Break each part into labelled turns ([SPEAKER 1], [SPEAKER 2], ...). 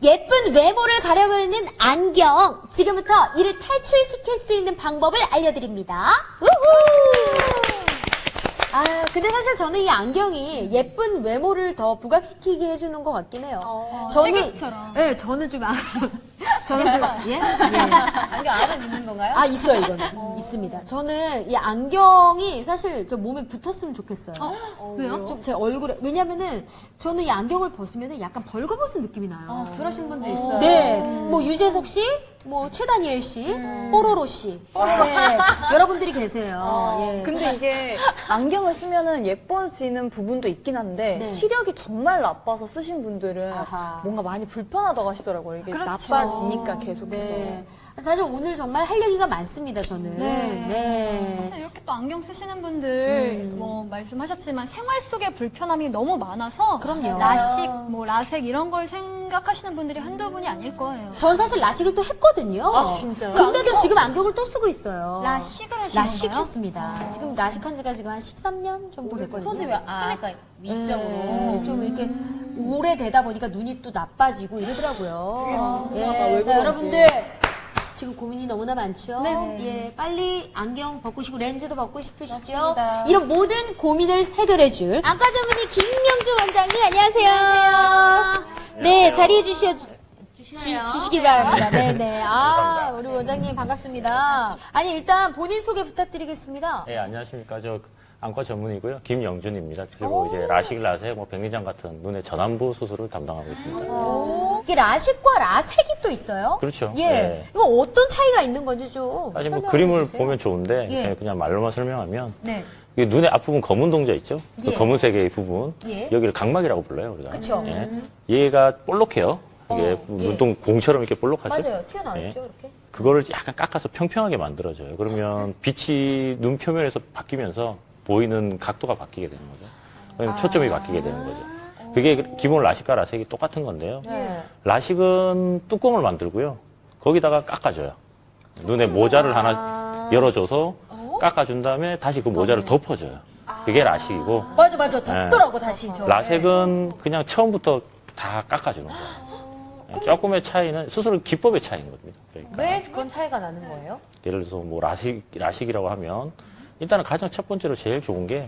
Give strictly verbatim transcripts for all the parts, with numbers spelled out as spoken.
[SPEAKER 1] 예쁜 외모를 가려버리는 안경. 지금부터 이를 탈출시킬 수 있는 방법을 알려드립니다. 우후! 아, 근데 사실 저는 이 안경이 예쁜 외모를 더 부각시키게 해주는 것 같긴 해요.
[SPEAKER 2] 어,
[SPEAKER 1] 저는,
[SPEAKER 2] 찌개씨처럼.
[SPEAKER 1] 네, 저는 좀, 아, 저는 좀, 예? 예.
[SPEAKER 2] 안경 안에 있는 건가요?
[SPEAKER 1] 아, 있어요, 이거는. 있습니다. 저는 이 안경이 사실 저 몸에 붙었으면 좋겠어요.
[SPEAKER 2] 어, 왜요?
[SPEAKER 1] 좀 제 얼굴에, 왜냐면은 저는 이 안경을 벗으면 약간 벌거벗은 느낌이 나요.
[SPEAKER 2] 아, 그러신 분도 있어요.
[SPEAKER 1] 네, 뭐 유재석 씨, 뭐 최다니엘 씨, 뽀로로 씨, 네, 여러분들이 계세요. 예.
[SPEAKER 3] 근데 이게 안경을 쓰면은 예뻐지는 부분도 있긴 한데
[SPEAKER 1] 네.
[SPEAKER 3] 시력이 정말 나빠서 쓰신 분들은
[SPEAKER 1] 아하.
[SPEAKER 3] 뭔가 많이 불편하다고 하시더라고요. 이게
[SPEAKER 2] 그렇죠.
[SPEAKER 3] 나빠지니까 계속해서.
[SPEAKER 1] 네. 사실 오늘 정말 할 얘기가 많습니다, 저는.
[SPEAKER 2] 네.
[SPEAKER 1] 네.
[SPEAKER 2] 사실 이렇게 또 안경 쓰시는 분들
[SPEAKER 1] 음.
[SPEAKER 2] 뭐 말씀하셨지만 생활 속에 불편함이 너무 많아서
[SPEAKER 1] 그럼요.
[SPEAKER 2] 라식, 뭐 라섹 이런 걸 생각하시는 분들이 한두 분이 아닐 거예요.
[SPEAKER 1] 전 사실 라식을 또 했거든요.
[SPEAKER 3] 아, 진짜요?
[SPEAKER 1] 근데도 지금 안경을 또 쓰고 있어요.
[SPEAKER 2] 라식을 하신
[SPEAKER 1] 라식
[SPEAKER 2] 건가요?
[SPEAKER 1] 했습니다. 지금 라식한 지가 지금 한 십삼 년 정도 됐거든요.
[SPEAKER 4] 손이 왜, 아, 그러니까 위쪽으로.
[SPEAKER 1] 네, 좀 이렇게 오래되다 보니까 눈이 또 나빠지고 이러더라고요.
[SPEAKER 3] 되게
[SPEAKER 1] 예,
[SPEAKER 3] 왜
[SPEAKER 1] 자,
[SPEAKER 3] 그런지.
[SPEAKER 1] 여러분들. 지금 고민이 너무나 많죠?
[SPEAKER 2] 네.
[SPEAKER 1] 예, 빨리 안경 벗고시고 렌즈도 벗고 싶으시죠?
[SPEAKER 4] 맞습니다.
[SPEAKER 1] 이런 모든 고민을 해결해줄 안과 전문의 김명주 원장님, 안녕하세요. 네, 자리해 주셔, 주, 주시기 바랍니다. 네네. 아, 우리 원장님 반갑습니다. 아니, 일단 본인 소개 부탁드리겠습니다.
[SPEAKER 5] 네, 안녕하십니까. 저 안과 전문이고요. 김영준입니다. 그리고 이제 라식, 라섹, 뭐 백내장 같은 눈의 전환부 수술을 담당하고 있습니다.
[SPEAKER 1] 이게 라식과 라섹이 또 있어요?
[SPEAKER 5] 그렇죠.
[SPEAKER 1] 예.
[SPEAKER 5] 네.
[SPEAKER 1] 이거 어떤 차이가 있는 건지 좀.
[SPEAKER 5] 사실 뭐
[SPEAKER 1] 설명해
[SPEAKER 5] 그림을
[SPEAKER 1] 주세요.
[SPEAKER 5] 보면 좋은데
[SPEAKER 1] 예.
[SPEAKER 5] 그냥- 그냥 말로만 설명하면
[SPEAKER 1] 네.
[SPEAKER 5] 이게 눈의 앞부분 검은 동자 있죠? 그
[SPEAKER 1] 예.
[SPEAKER 5] 검은색의 부분
[SPEAKER 1] 예.
[SPEAKER 5] 여기를 각막이라고 불러요, 우리가.
[SPEAKER 1] 그쵸.
[SPEAKER 5] 예. 얘가 볼록해요. 이게
[SPEAKER 1] 어, 예.
[SPEAKER 5] 눈동 공처럼 이렇게 볼록하죠?
[SPEAKER 1] 맞아요. 튀어나와
[SPEAKER 5] 예.
[SPEAKER 1] 있죠, 이렇게.
[SPEAKER 5] 그거를 약간 깎아서 평평하게 만들어줘요. 그러면 빛이 눈 표면에서 바뀌면서 보이는 각도가 바뀌게 되는 거죠. 그러면 초점이 바뀌게 되는 거죠. 그게 기본 라식과 라섹이 똑같은 건데요.
[SPEAKER 1] 네.
[SPEAKER 5] 라식은 뚜껑을 만들고요. 거기다가 깎아줘요. 눈에 모자를 하나
[SPEAKER 1] 아.
[SPEAKER 5] 열어줘서 깎아준 다음에 다시 그 모자를 덮어줘요. 그게 라식이고,
[SPEAKER 1] 맞아, 맞아. 덥더라고, 다시. 저.
[SPEAKER 5] 라섹은 그냥 처음부터 다 깎아주는 거예요. 조금의 차이는 수술 기법의 차이인 겁니다. 그러니까
[SPEAKER 4] 왜 그런 차이가 나는 거예요?
[SPEAKER 5] 예를 들어서 뭐 라식, 라식이라고 하면 일단은 가장 첫 번째로 제일 좋은 게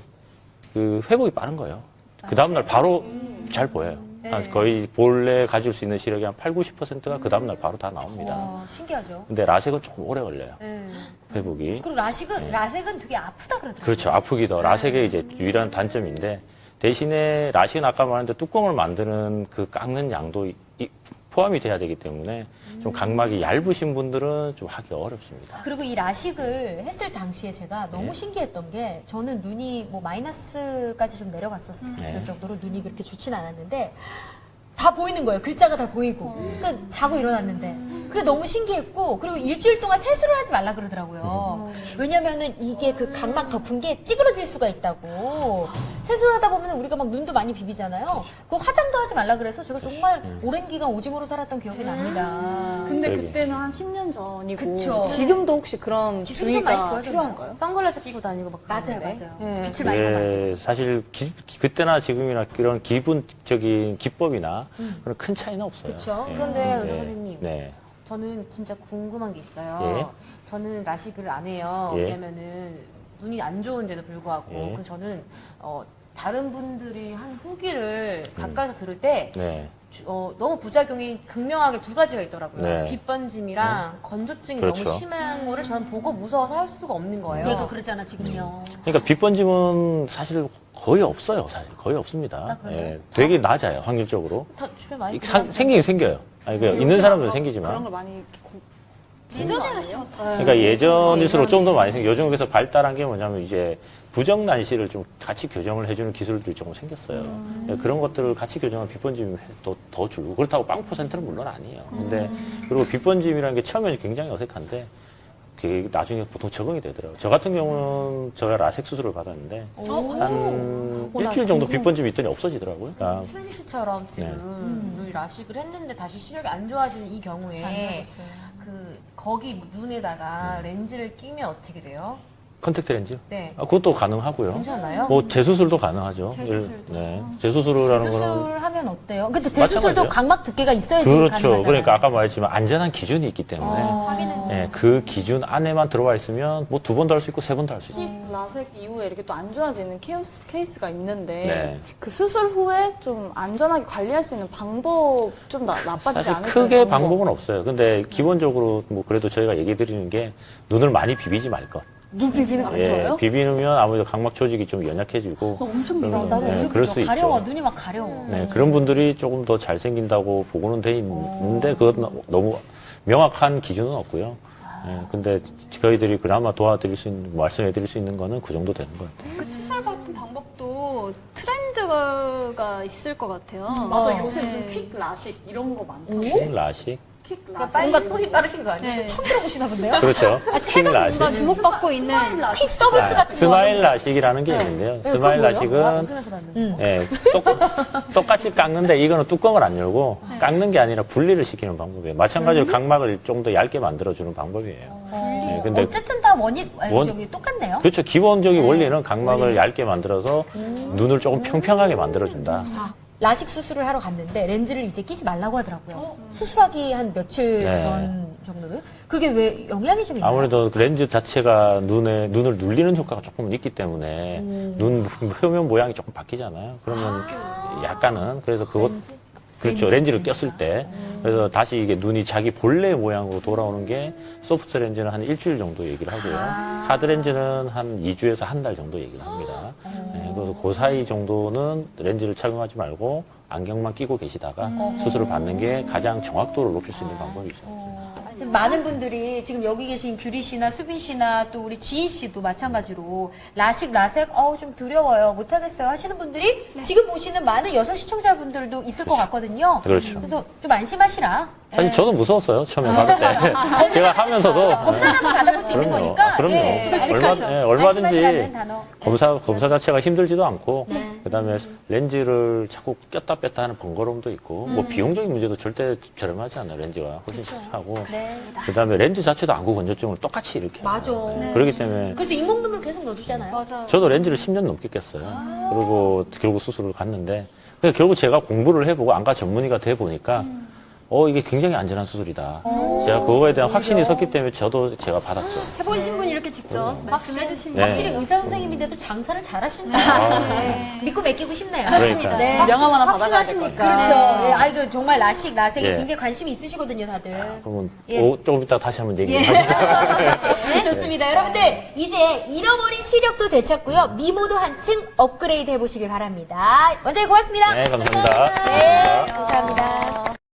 [SPEAKER 5] 그 회복이 빠른 거예요. 그 다음날 바로 잘 보여요. 한 거의 본래 가질 수 있는 시력이 한 팔, 구십 퍼센트가 그 다음날 바로 다 나옵니다.
[SPEAKER 1] 와, 신기하죠.
[SPEAKER 5] 근데 라섹은 조금 오래 걸려요.
[SPEAKER 1] 네.
[SPEAKER 5] 회복이.
[SPEAKER 1] 그리고 라식은, 라섹은 되게 아프다 그러더라고요.
[SPEAKER 5] 그렇죠. 아프기도. 라섹의 이제 유일한 단점인데 대신에 라식은 아까 말했는데 뚜껑을 만드는 그 깎는 양도 이- 이- 포함이 돼야 되기 때문에 좀 각막이 얇으신 분들은 좀 하기 어렵습니다.
[SPEAKER 1] 그리고 이 라식을 했을 당시에 제가 너무
[SPEAKER 5] 네.
[SPEAKER 1] 신기했던 게 저는 눈이 뭐 마이너스까지 좀 내려갔었을
[SPEAKER 5] 네.
[SPEAKER 1] 정도로 눈이 그렇게 좋진 않았는데 다 보이는 거예요. 글자가 다 보이고. 그러니까 자고 일어났는데. 그게 너무 신기했고, 그리고 일주일 동안 세수를 하지 말라 그러더라고요. 왜냐면은 이게 그 각막 덮은 게 찌그러질 수가 있다고. 세수를 하다 보면 우리가 막 눈도 많이 비비잖아요. 그 화장도 하지 말라 그래서 제가 정말 오랜 기간 오징어로 살았던 기억이 납니다.
[SPEAKER 3] 근데
[SPEAKER 5] 여기.
[SPEAKER 3] 그때는 한 십 년 전이고
[SPEAKER 1] 그쵸.
[SPEAKER 3] 지금도 혹시 그런
[SPEAKER 1] 기술이 좀 많이
[SPEAKER 3] 주의가
[SPEAKER 1] 좋아졌나요?
[SPEAKER 3] 필요한가요?
[SPEAKER 4] 선글라스 끼고 다니고 막
[SPEAKER 1] 맞아요,
[SPEAKER 4] 그러는데.
[SPEAKER 1] 맞아요.
[SPEAKER 4] 예.
[SPEAKER 1] 빛을 많이 받아요.
[SPEAKER 5] 예, 사실 기- 그때나 지금이나 그런 기본적인 기법이나 그런 큰 차이는 없어요.
[SPEAKER 1] 그쵸.
[SPEAKER 5] 예.
[SPEAKER 4] 그런데
[SPEAKER 5] 네.
[SPEAKER 4] 의사 선생님.
[SPEAKER 5] 네.
[SPEAKER 4] 저는 진짜 궁금한 게 있어요.
[SPEAKER 5] 예.
[SPEAKER 4] 저는 라식을 안 해요.
[SPEAKER 5] 예.
[SPEAKER 4] 왜냐면은 눈이 안 좋은데도 불구하고.
[SPEAKER 5] 예.
[SPEAKER 4] 그 저는 어, 다른 분들이 한 후기를
[SPEAKER 5] 음.
[SPEAKER 4] 가까이서 들을 때
[SPEAKER 5] 네.
[SPEAKER 4] 주- 어, 너무 부작용이 극명하게 두 가지가 있더라고요.
[SPEAKER 5] 네.
[SPEAKER 4] 빛번짐이랑 건조증이
[SPEAKER 5] 그렇죠.
[SPEAKER 4] 너무 심한 거를 저는 보고 무서워서 할 수가 없는 거예요.
[SPEAKER 1] 얘가 그러잖아, 지금요.
[SPEAKER 5] 그러니까 빛번짐은 사실 거의 없어요. 사실 거의 없습니다.
[SPEAKER 4] 아, 그래요?
[SPEAKER 5] 예, 되게 낮아요. 확률적으로.
[SPEAKER 4] 다 주변 많이
[SPEAKER 5] 사-
[SPEAKER 4] 보면
[SPEAKER 5] 생기긴 생겨요. 아니, 그 있는 사람들은 생기지만.
[SPEAKER 3] 그런 걸 많이 이렇게 고-
[SPEAKER 2] 예전에 하시고
[SPEAKER 5] 그러니까 예전일수록 좀 더 많이 생겨. 요즘 그래서 발달한 게 뭐냐면 이제 부정 난시를 좀 같이 교정을 해주는 기술들이 조금 생겼어요. 예, 그런 것들을 같이 교정하면 빛번짐이 더, 더 줄고. 그렇다고 빵 퍼센트는 물론 아니에요. 근데 그리고 빛번짐이라는 게 처음에는 굉장히 어색한데 그게 나중에 보통 적응이 되더라고요. 저 같은 경우는 제가 라섹 수술을 받았는데 한 일주일 정도 빛번짐이 있더니 없어지더라고요. 그러니까
[SPEAKER 4] 슬기 씨처럼 지금
[SPEAKER 5] 네.
[SPEAKER 4] 눈 라식을 했는데 다시 시력이 안 좋아지는 이 경우에
[SPEAKER 2] 안 좋아졌어요.
[SPEAKER 4] 그 거기 눈에다가 렌즈를 끼면 어떻게 돼요?
[SPEAKER 5] 컨택트 렌즈?
[SPEAKER 1] 네.
[SPEAKER 5] 아, 그것도 가능하고요.
[SPEAKER 1] 괜찮아요?
[SPEAKER 5] 뭐 재수술도 가능하죠.
[SPEAKER 2] 재수술도.
[SPEAKER 5] 네. 재수술이라는 거는
[SPEAKER 1] 재수술하면 어때요? 근데 재수술도
[SPEAKER 5] 마찬가지죠.
[SPEAKER 1] 각막 두께가 있어야지
[SPEAKER 5] 그렇죠.
[SPEAKER 1] 가능하잖아요.
[SPEAKER 5] 그러니까 아까 말했지만 안전한 기준이 있기 때문에
[SPEAKER 1] 어.
[SPEAKER 5] 예, 그 기준 안에만 들어와 있으면 뭐 두 번도 할 수 있고 세 번도 할 수 있어요.
[SPEAKER 3] 식 라섹 이후에 이렇게 또 안 좋아지는 케이스, 케이스가 있는데
[SPEAKER 5] 네.
[SPEAKER 3] 그 수술 후에 좀 안전하게 관리할 수 있는 방법 좀 나, 나빠지지
[SPEAKER 5] 사실
[SPEAKER 3] 않을까요?
[SPEAKER 5] 크게 방법은 없어요. 근데 기본적으로 뭐 그래도 저희가 얘기 드리는 게 눈을 많이 비비지 말 것.
[SPEAKER 3] 눈 비비는 거 안
[SPEAKER 5] 예,
[SPEAKER 3] 좋아요?
[SPEAKER 5] 비비면 아무래도 각막 조직이 좀 연약해지고
[SPEAKER 3] 엄청
[SPEAKER 5] 그러면,
[SPEAKER 3] 비비는데.
[SPEAKER 1] 나도
[SPEAKER 5] 네,
[SPEAKER 1] 엄청
[SPEAKER 5] 그럴
[SPEAKER 1] 비벼.
[SPEAKER 5] 수
[SPEAKER 1] 가려워.
[SPEAKER 5] 있죠.
[SPEAKER 1] 눈이 막 가려워.
[SPEAKER 5] 네, 그런 분들이 조금 더 잘생긴다고 보고는 돼 있는데 그건 너무 명확한 기준은 없고요. 예, 근데 저희들이 그나마 도와드릴 수 있는, 말씀해드릴 수 있는 거는 그 정도 되는 것 같아요.
[SPEAKER 2] 그 투살 같은 방법도 트렌드가 있을 것 같아요.
[SPEAKER 3] 맞아,
[SPEAKER 1] 어.
[SPEAKER 3] 요새 무슨
[SPEAKER 2] 네.
[SPEAKER 3] 퀵 라식 이런 거 많다.
[SPEAKER 5] 퀵 라식?
[SPEAKER 3] 퀵
[SPEAKER 1] 그러니까
[SPEAKER 3] 라식.
[SPEAKER 1] 빨리 손이 빠르신 거 아니에요?
[SPEAKER 2] 네.
[SPEAKER 1] 처음 들어보시나 본데요?
[SPEAKER 5] 그렇죠.
[SPEAKER 2] 아,
[SPEAKER 5] 퀵
[SPEAKER 2] 최근
[SPEAKER 5] 라식.
[SPEAKER 2] 뭔가 주목받고 있는
[SPEAKER 1] 퀵 서비스
[SPEAKER 5] 아,
[SPEAKER 1] 같은 거.
[SPEAKER 5] 스마일 라식이라는 게 있는데요.
[SPEAKER 1] 네,
[SPEAKER 5] 스마일
[SPEAKER 1] 그건 뭐예요? 아,
[SPEAKER 5] 라식은
[SPEAKER 1] 웃으면서 봤는데. 응.
[SPEAKER 5] 예, 똑, 똑같이 깎는데 이거는 뚜껑을 안 열고 깎는 게 아니라 분리를 시키는 방법이에요. 마찬가지로 각막을 좀 더 얇게 만들어주는 방법이에요. 예, 근데
[SPEAKER 1] 어쨌든 다 원이 아니,
[SPEAKER 5] 원-
[SPEAKER 1] 저기 똑같네요.
[SPEAKER 5] 그렇죠. 기본적인
[SPEAKER 1] 네,
[SPEAKER 5] 원리는 각막을
[SPEAKER 1] 원리는.
[SPEAKER 5] 얇게 만들어서 눈을 조금 평평하게 만들어준다.
[SPEAKER 1] 아, 라식 수술을 하러 갔는데 렌즈를 이제 끼지 말라고 하더라고요. 수술하기 한 며칠
[SPEAKER 5] 네.
[SPEAKER 1] 전 정도는 그게 왜 영향이 좀 있나요?
[SPEAKER 5] 아무래도 그 렌즈 자체가 눈에 눈을 눌리는 효과가 조금 있기 때문에 눈 표면 모양이 조금 바뀌잖아요. 그러면 약간은 그래서 그것 그렇죠.
[SPEAKER 1] 렌즈,
[SPEAKER 5] 렌즈를
[SPEAKER 1] 렌즈가.
[SPEAKER 5] 꼈을 때 그래서 다시 이게 눈이 자기 본래 모양으로 돌아오는 게 소프트 렌즈는 한 일주일 정도 얘기를 하고요.
[SPEAKER 1] 아.
[SPEAKER 5] 하드 렌즈는 한 이 주에서 한 달 정도 얘기를 합니다. 네, 그래서 그 사이 정도는 렌즈를 착용하지 말고 안경만 끼고 계시다가 수술을 받는 게 가장 정확도를 높일 수 있는 방법이죠.
[SPEAKER 1] 지금 많은 분들이 지금 여기 계신 규리 씨나 수빈 씨나 또 우리 지인 씨도 마찬가지로 라식, 라섹, 어우, 좀 두려워요. 못하겠어요. 하시는 분들이 지금 보시는 많은 여성 시청자분들도 있을 것 같거든요.
[SPEAKER 5] 그렇죠.
[SPEAKER 1] 그래서 좀 안심하시라.
[SPEAKER 5] 사실
[SPEAKER 1] 예.
[SPEAKER 5] 저도 무서웠어요. 처음에 받을 때. 제가 하면서도
[SPEAKER 1] 검사 한번 받아볼 수 있는
[SPEAKER 5] 그럼요.
[SPEAKER 1] 거니까.
[SPEAKER 5] 아, 그럼요.
[SPEAKER 1] 예,
[SPEAKER 5] 얼마,
[SPEAKER 1] 안심하시라.
[SPEAKER 5] 예, 얼마든지
[SPEAKER 1] 안심하시라는 단어.
[SPEAKER 5] 검사, 검사 자체가 힘들지도 않고,
[SPEAKER 1] 네.
[SPEAKER 5] 그 다음에 렌즈를 자꾸 꼈다 뺐다 하는 번거로움도 있고, 뭐 비용적인 문제도 절대 저렴하지 않아요. 렌즈가 훨씬 하고.
[SPEAKER 1] 네.
[SPEAKER 5] 그 다음에 렌즈 자체도 안구 건조증을 똑같이 이렇게.
[SPEAKER 1] 맞아.
[SPEAKER 5] 해요.
[SPEAKER 1] 네.
[SPEAKER 5] 그렇기 때문에
[SPEAKER 1] 그래서 인공눈물 계속 넣어주잖아요.
[SPEAKER 2] 맞아요.
[SPEAKER 5] 저도 렌즈를 십 년 넘게 꼈어요. 그리고 결국 수술을 갔는데, 근데 결국 제가 공부를 해보고 안과 전문의가 돼 보니까, 어, 이게 굉장히 안전한 수술이다. 제가 그거에 대한 확신이 섰기 때문에 저도 제가 받았죠.
[SPEAKER 2] 해보신 분이 이렇게 직접 말씀해 주시는
[SPEAKER 5] 네.
[SPEAKER 1] 확실히 의사 선생님인데도 장사를 잘하신다.
[SPEAKER 5] 아.
[SPEAKER 1] 네. 믿고 맡기고 싶네요.
[SPEAKER 5] 그러니까.
[SPEAKER 1] 네.
[SPEAKER 3] 명함 하나 받아가야 될 것 같아요.
[SPEAKER 1] 그렇죠. 예, 아이고 정말 라식, 라섹에
[SPEAKER 5] 예.
[SPEAKER 1] 굉장히 관심이 있으시거든요, 다들.
[SPEAKER 5] 그러면
[SPEAKER 1] 예.
[SPEAKER 5] 오, 조금 이따 다시 한번 얘기해
[SPEAKER 1] 예.
[SPEAKER 5] 주시죠.
[SPEAKER 1] 네, 좋습니다. 여러분들, 이제 잃어버린 시력도 되찾고요. 미모도 한층 업그레이드 해보시길 바랍니다. 원장님 고맙습니다.
[SPEAKER 5] 네, 감사합니다.
[SPEAKER 1] 네,
[SPEAKER 5] 감사합니다.
[SPEAKER 1] 감사합니다.